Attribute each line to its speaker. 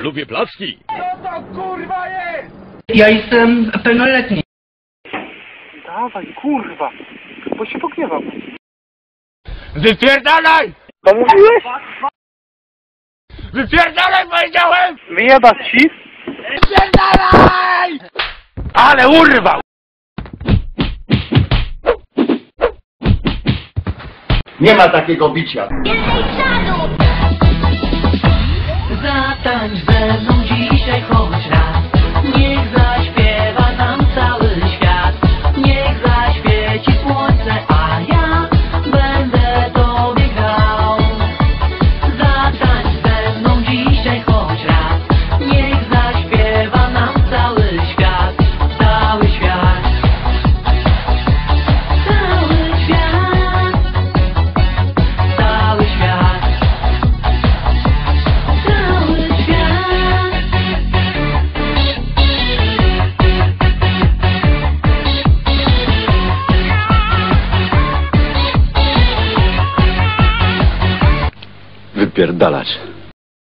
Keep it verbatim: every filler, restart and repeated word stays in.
Speaker 1: Lubię placki.
Speaker 2: Co to kurwa jest?
Speaker 3: Ja jestem pełnoletni.
Speaker 2: Dawaj, kurwa, bo się pogniewam.
Speaker 1: Wypierdalaj!
Speaker 2: Co mówiłeś?
Speaker 1: Wypierdalaj, powiedziałem!
Speaker 2: Wyjebać ci?
Speaker 1: Wypierdalaj! Ale urwał!
Speaker 4: Nie ma takiego bicia.
Speaker 5: Zatańcz ze mną dzisiaj choć raz. Niech zaśpiewa nam cały świat. Niech zaświeci słońce, a ja będę tobie grał. Zatańcz ze mną dzisiaj choć raz. Niech zaśpiewa nam cały świat. Cały świat. Cały świat. Cały świat. Cały świat.
Speaker 1: Wypierdalać.